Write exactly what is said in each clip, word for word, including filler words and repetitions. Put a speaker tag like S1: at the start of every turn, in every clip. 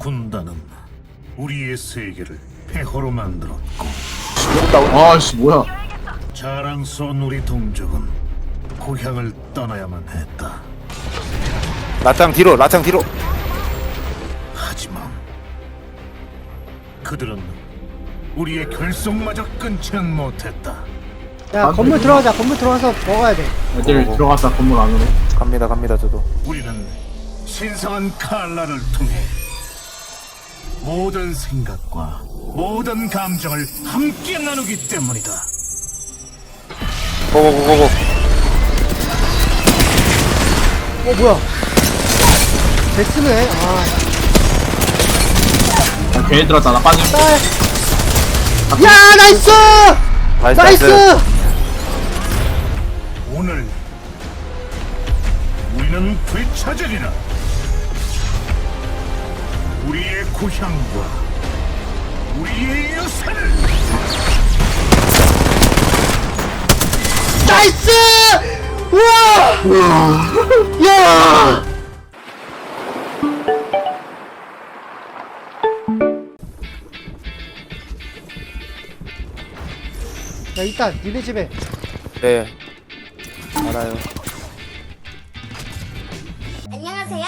S1: 군단은 우리의 세계를 폐허로 만들었고
S2: 아씨 뭐야.
S1: 자랑스러운 우리 동족은 고향을 떠나야만 했다.
S3: 라짱 뒤로 라짱 뒤로.
S1: 하지만 그들은 우리의 결속마저 끊지는 못했다.
S4: 야 건물 들어가자. 건물 들어가서 먹어야 돼.
S2: 애들
S3: 어.
S2: 들어갔다 건물 안으로.
S3: 갑니다 갑니다 저도.
S1: 우리는 신성한 칼라를 통해 모든 생각과 모든 감정을 함께 나누기 때문이다.
S3: 고고고고고.
S4: 어 뭐야? 데스네. 아
S2: 야, 괜히 들었다. 나 빠짐.
S4: 딸. 야 나이스.
S3: 나이스
S4: 나이스.
S3: 나이스.
S1: 오늘 우리는 되찾으리라. 우리의 고향과 우리의 유산을.
S4: 나이스. 우와. 야. 야 이따 니네 집에.
S3: 네. 알아요.
S5: 안녕하세요.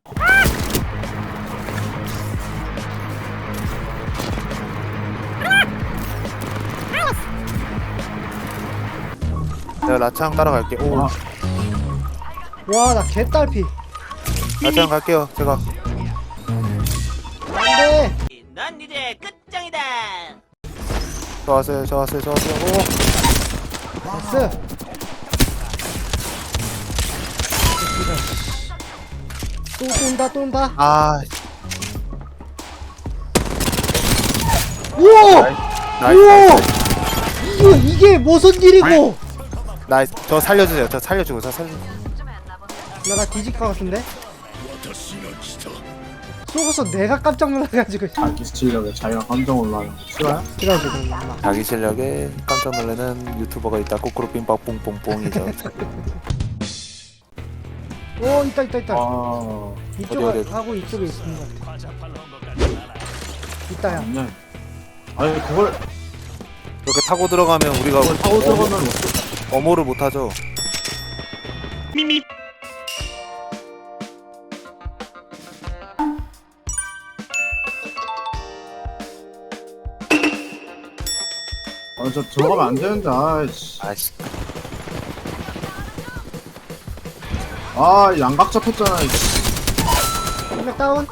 S3: 내가 라짱 따라갈게. 오.
S2: 아.
S4: 와 나 개딸피.
S3: 라짱 갈게요 제가.
S4: 안돼.
S5: 넌 이제 끝장이다.
S3: 저 왔어요 저 왔어요 저 왔어요. 오.
S4: 나이스. 또 쏜다 또 온다.
S3: 아.
S4: 우와.
S3: 나이스.
S4: 우와.
S3: 나이스.
S4: 이거 이게 무슨 일이고?
S3: 나이스. 저 살려주세요. 저 살려주고 저 살려.
S4: 나나 뒤질 것 같은데? 쏘고서 내가 깜짝 놀라가지고.
S2: 자기 실력에 자기가 감정 올라요. 싫어요?
S4: 그래가지고 엄마.
S3: 자기 실력에 깜짝 놀라는 유튜버가 있다. 꼬꾸로 빙박 뽕뽕뽕이죠.
S4: 오 있다 있다 있다.
S2: 아.
S4: 이쪽
S3: 어디, 어디?
S4: 하고 이쪽에 있는 것 같아. 있다야.
S2: 아니야. 아니 그걸
S3: 이렇게 타고 들어가면 우리가
S2: 그걸 타고 들어가면
S3: 어모, 어모를 못하죠.
S2: 아저 들어가면 안 되는데. 아이씨.
S3: 아씨.
S2: 아 양각 잡혔잖아. 이씨.
S4: 한명 다운.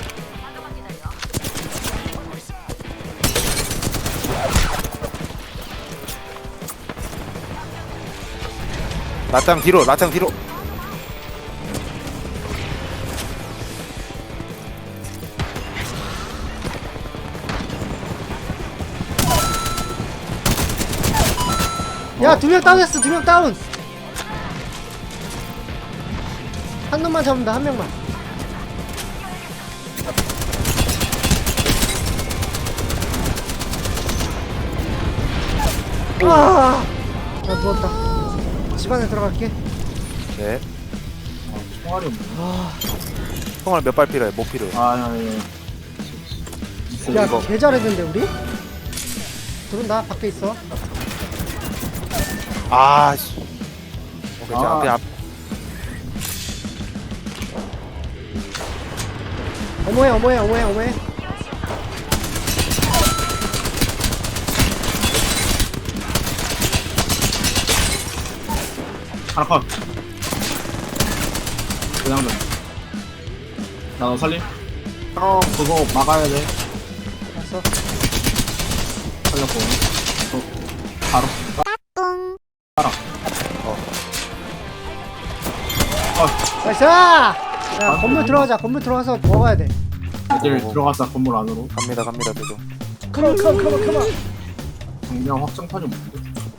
S3: 라짱 뒤로 라짱 뒤로.
S4: 야 두 명 다운했어. 두 명 다운. 한 놈만 잡으면 돼. 한 명만. 아, 나 누웠다. 집 안에 들어갈게.
S3: 네.
S2: 아, 총알이 없네.
S4: 아,
S3: 총알 몇 발 필요해? 못 필요해.
S2: 아 예. 예.
S4: 야,
S3: 이거.
S4: 개 잘했는데 우리? 들어온다. 밖에 있어.
S3: 아 씨. 오케이 저
S2: 아.
S3: 앞에 앞.
S4: 어머해, 어머해, 어머해, 어머해.
S2: 하나 컷. 그냥 돼. 나너 살림. 형 그거 막아야 돼.
S4: 알았어.
S2: 살렸고. 또 바로. 따라.
S3: 어.
S2: 어.
S4: 나이스! 야, 건물 들어가자. 건물 들어가서 먹어야 돼.
S2: 애들
S3: 어.
S2: 들어갔다 건물 안으로.
S3: 갑니다 갑니다 저도.
S4: 컴온, 컴온, 컴온, 컴온.
S2: 정면 확장판이 뭔데?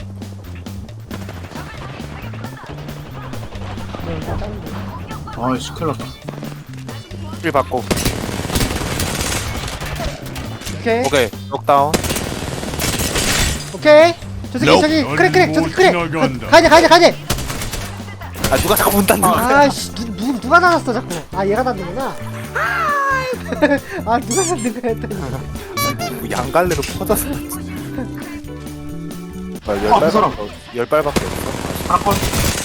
S4: 네, 일단 다른 거.
S2: 아이씨 큰일 났다.
S3: 힐 받고.
S4: 오케이.
S3: 오케이 넉다운.
S4: 오케이. 저 새끼, 저기, 그래, 그래, 저기, 그래. 가야돼, 가야돼, 가야돼.
S3: 아 누가 자꾸 문 닫는 거야?
S4: 아이씨, 누, 누, 누가 닫았어, 자꾸. 아, 얘가 닫는구나. 아 누가 잡는 거야 했더니
S3: 뭐 양갈래로 퍼졌어. 아, 열
S2: 어, 그 사람.
S3: 발밖에 없- 열 발밖에 없어.
S2: 하나 컷.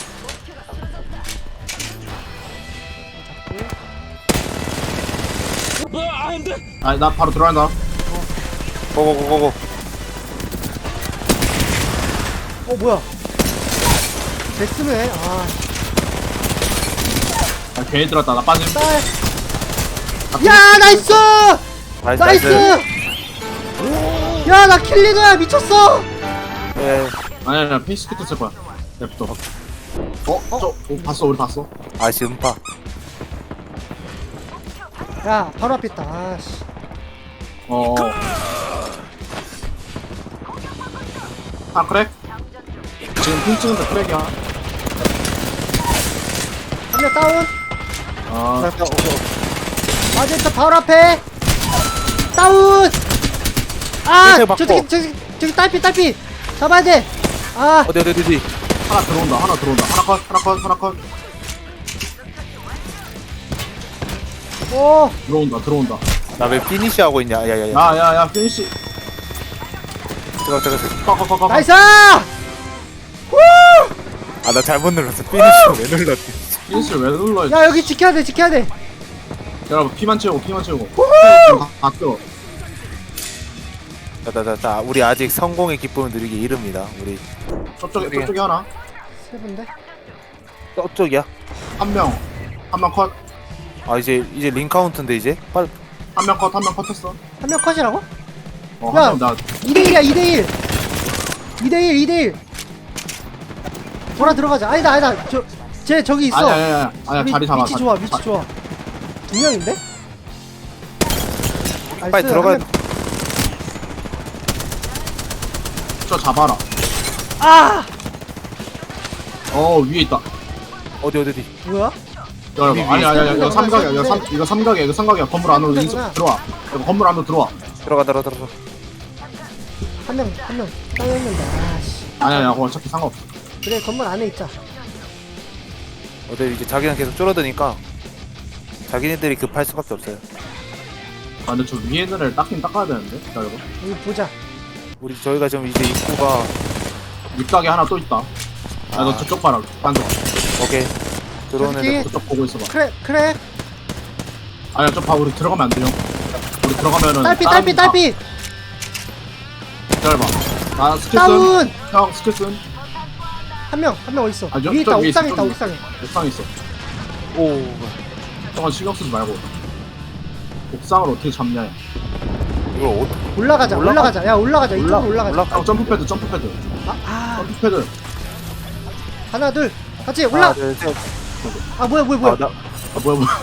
S2: 아니 나 바로 들어간다.
S3: 고고고고고.
S4: 어 뭐야 데스네 아
S2: 아, 괜히 들었다. 나 빠짐.
S4: 딸. 야 나이스
S3: 나이스
S4: 나이스 야 나 킬리더야 미쳤어
S3: 예.
S2: 아니 아니 페이스키트 쓸 거야. 랩도. 어? 저 어, 봤어 우리 봤어.
S3: 아씨 음파.
S4: 야 바로 앞에 있다 아씨
S2: 어. 아 그래? 지금 핑 찍은데 크랙이야.
S4: 한 명 다운
S2: 아
S4: 아 진짜 바로 앞에 다운 아
S3: 밑에 맞고.
S4: 저기 저기 저기 딸피 딸피 잡아야 돼아
S3: 어디 어디 어디.
S2: 하나 들어온다. 하나 들어온다. 하나 컷. 하나 컷. 하나 컷.
S4: 오
S2: 들어온다. 들어온다.
S3: 나 왜 피니시 하고 있냐? 야야야.
S2: 야야야 피니시.
S3: 잠깐 잠깐.
S2: 꺼꺼꺼꺼.
S4: 나이스
S3: 아나 잘못 눌렀어. 피니시 왜 눌렀지?
S2: 피니시를 왜 눌러?
S4: 야 여기 지켜야 돼 지켜야 돼
S2: 여러분 피만 채우고 피만 채우고. 아껴.
S3: 자자자자. 우리 아직 성공의 기쁨을 누리기 이릅니다. 우리
S2: 저쪽에
S3: 어디에?
S2: 저쪽에 하나.
S4: 세 분데
S3: 저쪽이야.
S2: 한 명. 한 명 컷.
S3: 아 이제 이제 링 카운트인데 이제 빨리.
S2: 한 명 컷. 한 명 컷했어.
S4: 한 명 컷이라고?
S2: 어,
S4: 야.
S2: 한 명 나.
S4: 이 대 일이야 이 대 일 이 대 일 이 대 일 돌아 들어가자 아니다 아니다 저쟤 저기 있어
S2: 아니 아니 아니. 아니
S4: 위,
S2: 자리 잡아.
S4: 위치
S2: 자리-
S4: 좋아 위치
S2: 자-
S4: 좋아 두 명인데? 나이스,
S3: 빨리 들어가.
S4: 한 명-
S2: 저 잡아라.
S4: 아
S2: 어 위에 있다.
S3: 어디 어디 어디.
S4: 뭐야?
S2: 여러분 아니 아니 아니 이거
S4: 삼각이구나,
S2: 삼각이야. 이거 삼
S4: 삼각인데.
S2: 이거 삼각이야. 이거 삼각이야. 건물 안으로 인수
S4: 삼각이구나.
S2: 들어와. 이거 건물 안으로 들어와.
S3: 들어가 들어가 들어가.
S4: 한 명 한 명 따였는데 아씨
S2: 아니 아니 그거 어차피 상관없어.
S4: 그래 건물 안에 있자
S3: 어디 이제 자기는 계속 줄어드니까 자기네들이 급할 수밖에 없어요.
S2: 아 근데 저 위에 있는 애를 닦긴 닦아야 되는데. 기다려봐.
S4: 여기 보자
S3: 우리 저희가 지금 이제 입구가
S2: 밑가게 하나 또 있다. 야 너
S3: 아.
S2: 저쪽 봐라. 딴 데.
S3: 오케이 들어오는
S4: 저기.
S3: 애.
S2: 저쪽 보고 있어봐.
S4: 크랙 크랙
S2: 아니야 저봐 우리 들어가면 안 돼요. 우리 들어가면은
S4: 딸피
S2: 다른
S4: 딸피
S2: 다-
S4: 딸피
S2: 기다려봐. 나 스킬
S4: 다운
S2: 쓴. 형 스킬 쓴.
S4: 한 명 한 명 어딨어
S2: 아, 저-
S4: 위에 있다
S2: 저 위에
S4: 옥상에
S2: 있어,
S4: 있다
S2: 저기.
S4: 옥상에
S2: 옥상에 있어.
S3: 오.
S2: 저건 신경 쓰지 말고. 옥상을 어떻게 잡냐.
S3: 이걸 어떻게?
S4: 올라가자
S3: 올라가?
S4: 올라가자 야 올라가자
S2: 올라-
S4: 이쪽으로 올라가자
S3: 올라-
S2: 형 점프 패드 점프 패드.
S4: 아, 아
S2: 점프 패드.
S4: 하나 둘 같이 올라
S3: 하나, 둘, 셋.
S4: 아 뭐야 뭐야 뭐야
S3: 아, 나
S2: 아 뭐야 뭐야.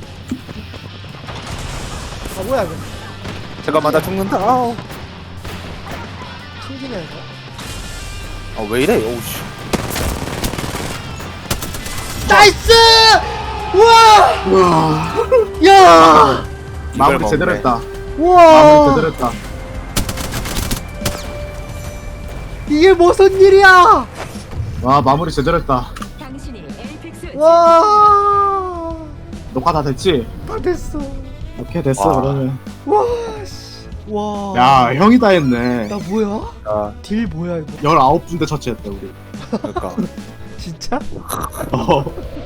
S4: 아 뭐야 이거
S3: 잠깐만 나 죽는다. 아우.
S4: 튕기냐 이거
S3: 아 왜 이래? 오우씨.
S4: 나이스 우와
S2: 우와.
S4: 야
S2: 마무리
S3: 이걸
S2: 제대로
S3: 먹네.
S2: 했다. 마무리
S4: 우와
S2: 제대로 했다.
S4: 이게 무슨 일이야
S2: 와 마무리 제대로 했다.
S4: 와
S2: 녹화 다 됐지?
S4: 다 됐어
S2: 오케이 됐어
S3: 와.
S2: 그러면.
S4: 와와
S2: 야 형이 다 했네.
S4: 나 뭐야
S3: 아
S4: 딜 뭐야 이거
S2: 열아홉 군데 처치했다 우리.
S3: 그러니까.
S4: 진짜
S2: 어.